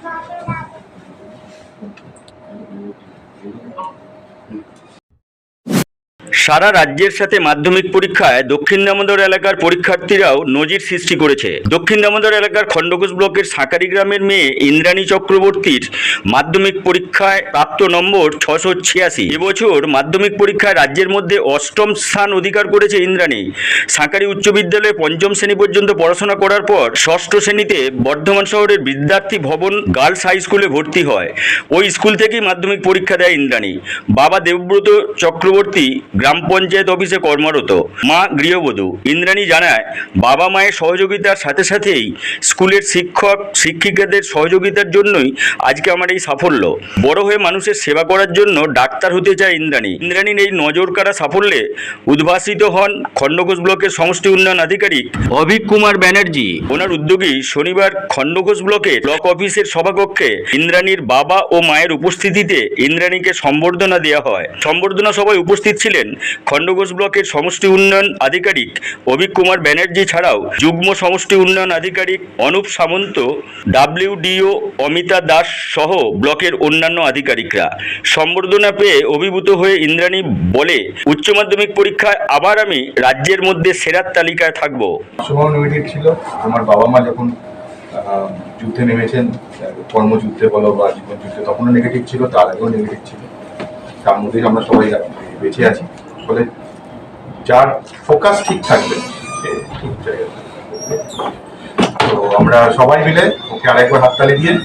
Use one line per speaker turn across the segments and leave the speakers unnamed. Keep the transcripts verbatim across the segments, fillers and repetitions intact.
সারা রাজ্যের সাথে মাধ্যমিক পরীক্ষায় দক্ষিণ দামোদর এলাকার পরীক্ষার্থীরাও নজির সৃষ্টি করেছে। দক্ষিণ দামোদর এলাকার খণ্ডঘোষ ব্লকের সাঁকারি গ্রামের মেয়ে ইন্দ্রাণী চক্রবর্তীর মাধ্যমিক পরীক্ষায় প্রাপ্ত নম্বর ছশো ছিয়াশি। এবছর মাধ্যমিক পরীক্ষায় রাজ্যের মধ্যে অষ্টম স্থান অধিকার করেছে ইন্দ্রাণী। সাঁকারি উচ্চ বিদ্যালয়ে পঞ্চম শ্রেণী পর্যন্ত পড়াশোনা করার পর ষষ্ঠ শ্রেণীতে বর্ধমান শহরের বিদ্যার্থী ভবন গার্লস হাই স্কুলে ভর্তি হয়। ওই স্কুল থেকেই মাধ্যমিক পরীক্ষা দেয় ইন্দ্রাণী। বাবা দেবব্রত চক্রবর্তী গ্রাম পঞ্চায়েত অফিসে কর্মরত, মা গৃহবধূ। ইন্দ্রাণী জানায়, বাবা মায়ের সহযোগিতার সাথে সাথেই স্কুলের শিক্ষক শিক্ষিকাদের সহযোগিতার জন্যই আজকে আমার এই সাফল্য। বড় হয়ে মানুষের সেবা করার জন্য ডাক্তার হতে চায় ইন্দ্রাণী। ইন্দ্রাণীর এই নজর কাড়া সাফল্যে উদ্ভাসিত হন খণ্ডঘোষ ব্লকের সমষ্টি উন্নয়ন আধিকারিক অভিক কুমার ব্যানার্জি। ওনার উদ্যোগেই শনিবার খণ্ডঘোষ ব্লকের ব্লক অফিসের সভাকক্ষে ইন্দ্রাণীর বাবা ও মায়ের উপস্থিতিতে ইন্দ্রাণীকে সম্বর্ধনা দেওয়া হয়। সম্বর্ধনা সভায় উপস্থিত ছিলেন খণ্ডঘোষ ব্লকের সমষ্টি উন্নয়ন আধিকারিক অভিক কুমার ব্যানার্জি ছাড়াও যুগ্ম সমষ্টি উন্নয়ন আধিকারিক অনুপ সামন্ত, ডাব্লিউডিও অমিতা দাস সহ ব্লকের অন্যান্য আধিকারিকরা। সম্বর্ধনা পেয়ে অভিভূত হয়ে ইন্দ্রাণী বলে, উচ্চ মাধ্যমিক পরীক্ষায় আবার আমি রাজ্যের মধ্যে সেরার তালিকায় থাকব।
সময় নেগেটিভ ছিল। আমার বাবা মা যখন যুদ্ধে নেমেছেন, কর্মযুদ্ধে বলো বা জীবন যুদ্ধে, তখনও নেগেটিভ ছিল, তার আগেও নেগেটিভ ছিল। তার মধ্যেই আমরা সবাই বেঁচে আছি। ফলে যার ফোকাস ঠিক থাকবে সে ঠিক জায়গায়। তো আমরা সবাই মিলে ওকে আরেকবার হাততালি দিয়ে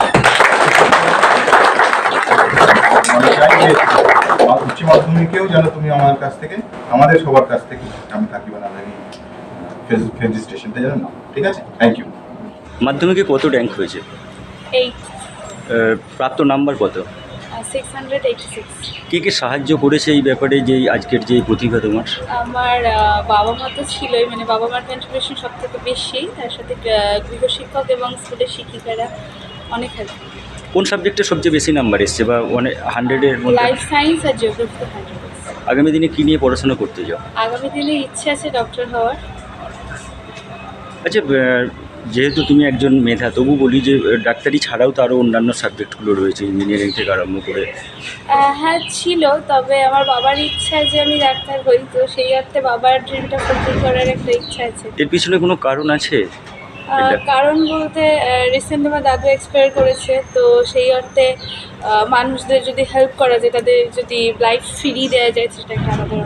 মনে চাই যে উচ্চ মাধ্যমিকেও যেন তুমি আমার কাছ থেকে, আমাদের সবার কাছ থেকে আমি থাকিব না, আমি ফেজি স্টেশনটা যেন না। ঠিক আছে, থ্যাংক ইউ।
মাধ্যমিকে কত র্যাঙ্ক হয়েছে?
এইট।
প্রাপ্ত নাম্বার কত?
Six hundred eighty six.
কে কে সাহায্য করেছে এই ব্যাপারে, যে আজকের যে প্রতিভা তোমার?
আমার বাবা মা তো ছিলই, মানে বাবা মার কন্ট্রিবিউশন সব থেকে বেশি, তার সাথে গৃহশিক্ষক এবং স্কুলের শিক্ষিকারা অনেক হেল্প।
কোন সাবজেক্টে সবচেয়ে বেশি নাম্বার এসছে বা মানে হান্ড্রেডের মধ্যে?
লাইফ সায়েন্স আর জিওগ্রাফিতে হান্ড্রেড।
আগামী দিনে কী নিয়ে পড়াশোনা করতে যাও?
আগামী দিনে ইচ্ছে আছে ডক্টর হওয়ার।
আচ্ছা, যেহেতু তুমি একজন মেধা, তবু বলি যে ডাক্তারি ছাড়াও তো আরও অন্যান্য সাবজেক্টগুলো রয়েছে, ইঞ্জিনিয়ারিং থেকে আরম্ভ করে।
হ্যাঁ ছিল, তবে আমার বাবার ইচ্ছা যে আমি ডাক্তার হই, তো সেই অর্থে বাবার ড্রিমটা ফুলফিল করার একটা ইচ্ছা আছে।
এর পিছনে কোনো কারণ আছে?
কারণ বলতে রিসেন্ট আমার দাদু এক্সপায়ার করেছে, তো সেই অর্থে মানুষদের যদি হেল্প করা যায়, তাদের যদি লাইফ ফিরিয়ে দেওয়া যায়, সেটা একটা আমাদের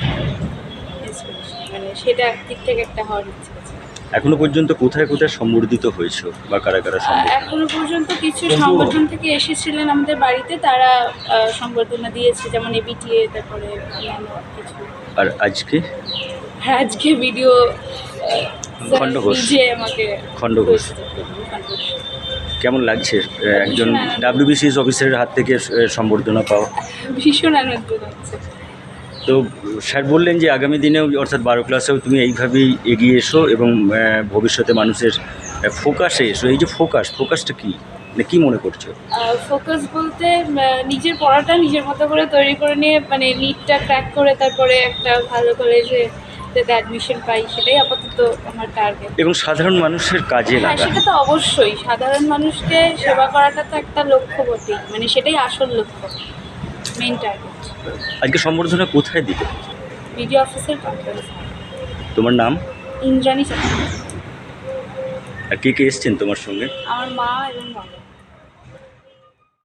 মানে সেটা দিক থেকে একটা হওয়ার ইচ্ছা আছে।
এখনো পর্যন্ত কোথায় কোথায় সম্বর্ধিত হয়েছে বা কারা কারা?
এখনো পর্যন্ত কিছু সংগঠন থেকে এসেছিলেন আমাদের বাড়িতে, তারা সংবর্ধনা দিয়েছে, যেমন এবিটিএ, তারপরে কিছু। আর
আজকে
আজকে ভিডিও
খণ্ডঘোষ
যে আমাকে
খণ্ডঘোষ কেমন লাগছে একজন ডাব্লিউবিসিএস অফিসারের হাত থেকে সম্বর্ধনা পাওয়া?
ভীষণ আনন্দ লাগছে।
তো স্যার বললেন যে আগামী দিনেও, অর্থাৎ বারো ক্লাসেও তুমি এইভাবেই এগিয়ে এসো এবং ভবিষ্যতে মানুষের ফোকাসে এসো। এই যে ফোকাস, ফোকাসটা কী, মানে কী মনে করছো?
ফোকাস বলতে নিজের পড়াটা নিজের মতো করে তৈরি করে নিয়ে, মানে নিটটা ক্র্যাক করে তারপরে একটা ভালো কলেজে যাতে অ্যাডমিশন পাই, সেটাই আপাতত আমার টার্গেট।
এবং সাধারণ মানুষের কাজে লাগা।
সেটা তো অবশ্যই, সাধারণ মানুষকে সেবা করাটা তো একটা লক্ষ্য বটেই, মানে সেটাই আসল লক্ষ্য, মেইন টার্গেট।
আজকে সম্বর্ধনা কোথায় দিবে?
বিডিও অফিসের কনফারেন্স।
তোমার নাম?
ইন্দ্রাণী চক্রবর্তী।
আর কে কে এসছেন তোমার সঙ্গে?
আমার মা এবং বাবা।